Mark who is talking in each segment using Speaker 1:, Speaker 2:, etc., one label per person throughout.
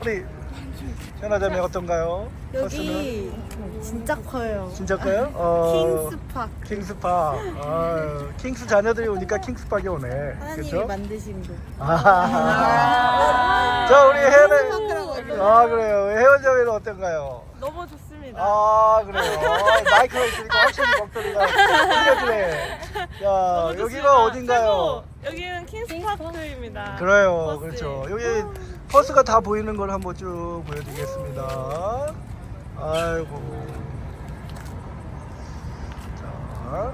Speaker 1: 우리 현아자매 어떤가요? 버스는?
Speaker 2: 여기 진짜 커요.
Speaker 1: 진짜 커요?
Speaker 2: 킹스파크.
Speaker 1: 킹스파크. 아유, 킹스 자녀들이 오니까 킹스파크에 오네.
Speaker 2: 하나님이
Speaker 1: 그렇죠?
Speaker 2: 만드신 곳.
Speaker 1: 자, 우리 혜연이.
Speaker 2: 킹스파크라고
Speaker 1: 아, 그래요. 혜연자매는 어떤가요?
Speaker 3: 너무 좋습니다.
Speaker 1: 아, 그래요. 마이크가 있으니까 확실히 목소리가 들려주네. 자,
Speaker 3: 너무
Speaker 1: 여기가
Speaker 3: 좋습니다.
Speaker 1: 어딘가요?
Speaker 3: 최고. 여기는 킹스파크입니다.
Speaker 1: 그래요.
Speaker 3: 버스.
Speaker 1: 그렇죠. 여기 버스가 다 보이는 걸 한번 쭉 보여드리겠습니다. 아이고. 자.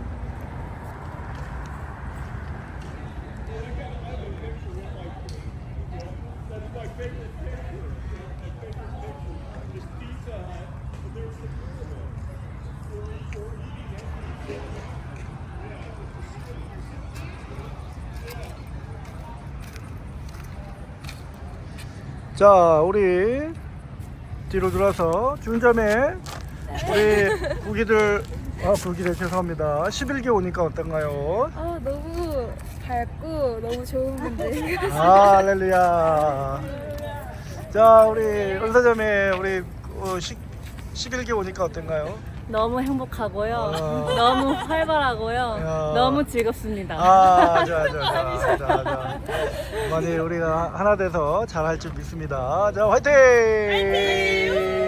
Speaker 1: 자, 우리 뒤로 돌아서 중점에 우리 부기들 부기들 죄송합니다. 11기 오니까 어떤가요?
Speaker 2: 너무 밝고 너무 좋은 분들.
Speaker 1: 아, 할렐루야. 자, 우리 은사자매 우리 11기 오니까 어떤가요?
Speaker 4: 너무 행복하고요.
Speaker 1: 어.
Speaker 4: 너무 활발하고요.
Speaker 1: 야.
Speaker 4: 너무 즐겁습니다.
Speaker 1: 아, 좋아. 많이 우리가 하나 돼서 잘할 줄 믿습니다. 자, 화이팅!